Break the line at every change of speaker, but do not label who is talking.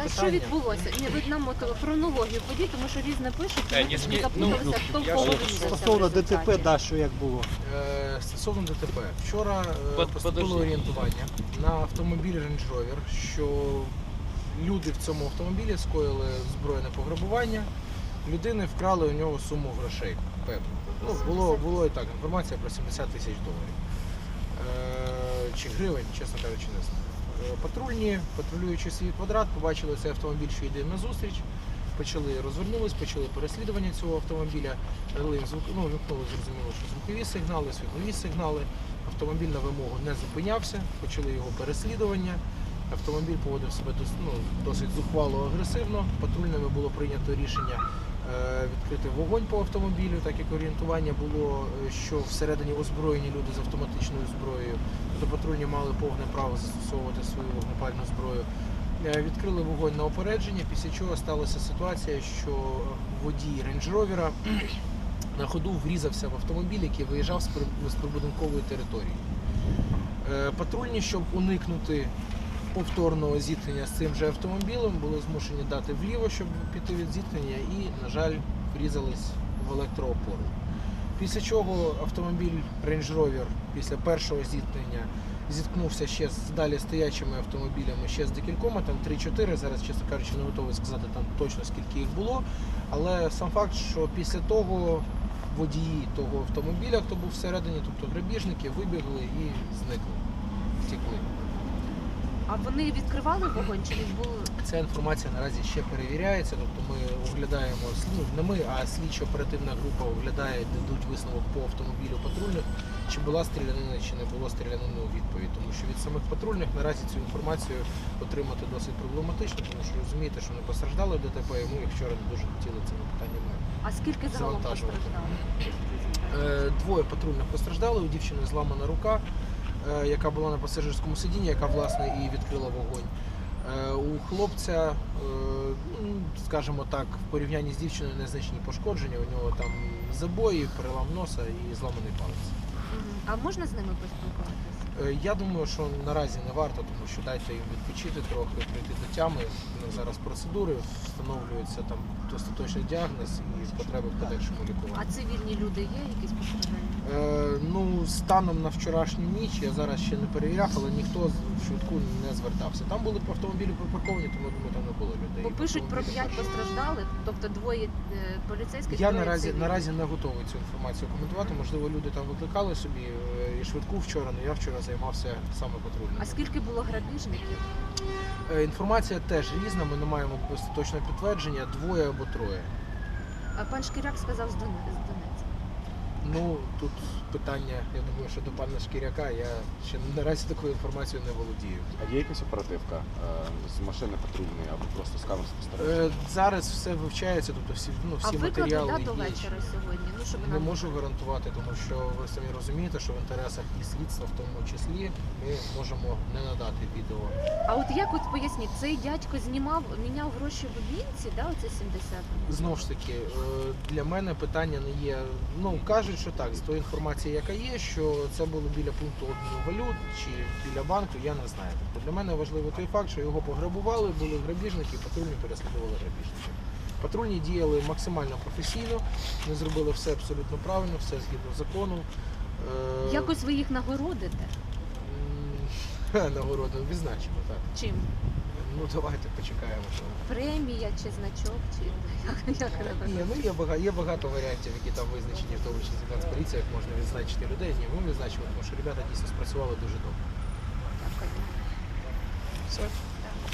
що відбулося? Ні, ви нам хронологію подіть, тому що різне пишуть, і ми запуталися, хто в кого врізався.
Стосовно ДТП, да, що як було?
Стосовно ДТП. Вчора поступило орієнтування на автомобіль Range Rover, що люди в цьому автомобілі скоїли збройне пограбування, людини вкрали у нього суму грошей, певно. Було і так, інформація про 70 тисяч доларів. Чи гривень, чесно кажучи, не знаю. Патрульні, патрулюючи свій квадрат, побачили цей автомобіль, що йде на зустріч, розвернулись, почали переслідування цього автомобіля, вимкнули, зрозуміло, що звукові сигнали, світлові сигнали. Автомобіль на вимогу не зупинявся, почали його переслідування. Автомобіль поводив себе досить зухвало, агресивно. Патрульними було прийнято рішення відкрити вогонь по автомобілю, так як орієнтування було, що всередині озброєні люди з автоматичною зброєю. Тобто патрульні мали повне право застосовувати свою вогнепальну зброю. Відкрили вогонь на опередження, після чого сталася ситуація, що водій Range Rover на ходу врізався в автомобіль, який виїжджав з прибудинкової території. Патрульні, щоб уникнути повторного зіткнення з цим же автомобілем, були змушені дати вліво, щоб піти від зіткнення, і, на жаль, врізались в електроопору. Після чого автомобіль Range Rover після першого зіткнення зіткнувся ще з далі стоячими автомобілями, ще з декількома, там 3-4, зараз, чесно кажучи, не готовий сказати там точно скільки їх було, але сам факт, що після того водії того автомобіля, хто був всередині, тобто грабіжники, вибігли і зникли, втекли.
А вони відкривали вогонь чи не було?
Ця інформація наразі ще перевіряється, тобто ми оглядаємо, не ми, а слідчо-оперативна група оглядає, дадуть висновок по автомобілю патрульних, чи була стрілянина, чи не було стрілянини у відповідь. Тому що від самих патрульних наразі цю інформацію отримати досить проблематично, тому що розумієте, що не постраждали в ДТП, і ми вчора не дуже хотіли цими питаннями.
А скільки загалом постраждали?
Двоє патрульних постраждали, у дівчини зламана рука, яка була на пасажирському сидінні, яка, власне, і відкрила вогонь. У хлопця, скажімо так, в порівнянні з дівчиною незначні пошкодження, у нього там забої, перелам носа і зламаний палець.
А можна з ними поспілкуватися?
Я думаю, що наразі не варто, тому що дайте їм відпочити трохи, прийти до тями. Зараз процедури, встановлюється там остаточний діагноз і потреби в подальшому лікуванні.
А цивільні люди є якісь постраждання?
Станом на вчорашню ніч, я зараз ще не перевіряв, але ніхто в швидку не звертався. Там були автомобілі припарковані, тому, думаю, там не було людей.
Бо пишуть про 5 постраждалих, тобто двоє поліцейських,
Я наразі не готовий цю інформацію коментувати. Можливо, люди там викликали собі і швидку вчора, але я вчора займався саме патрульним.
А скільки було грабіжників?
Інформація теж різна, ми не маємо остаточного підтвердження, 2 або 3.
А пан Шкіряк сказав з Донецька.
Тут питання, я думаю, що до пана Шкіряка, я ще наразі такою інформацією не володію.
А є якась оперативка з машини патрульної або просто з камер спостереження?
Зараз все вивчається, тобто всі матеріали
викладуть до
є.
вечора сьогодні? Щоб
Не можу гарантувати, тому що ви самі розумієте, що в інтересах і слідства в тому числі ми можемо не надати відео.
А от як поясніть, цей дядько міняв гроші в Вінці, да, оце 70?
Знову ж таки, для мене питання не є, кажуть, що так, з тої інформації, яка є, що це було біля пункту обміну валют чи біля банку, я не знаю. Тобто для мене важливо той факт, що його пограбували, були грабіжники, патрульні переслідували грабіжників. Патрульні діяли максимально професійно, вони зробили все абсолютно правильно, все згідно закону.
Якось ви їх нагородите?
Нагороду відзначимо, так.
Чим?
Давайте почекаємо.
Премія чи значок, чи як?
Є багато варіантів, які там визначені, в тому числі Нацполіція, як можна відзначити людей. Ні, ми відзначимо, тому що ребята дійсно спрацювали дуже добре.
Дякую.
Все.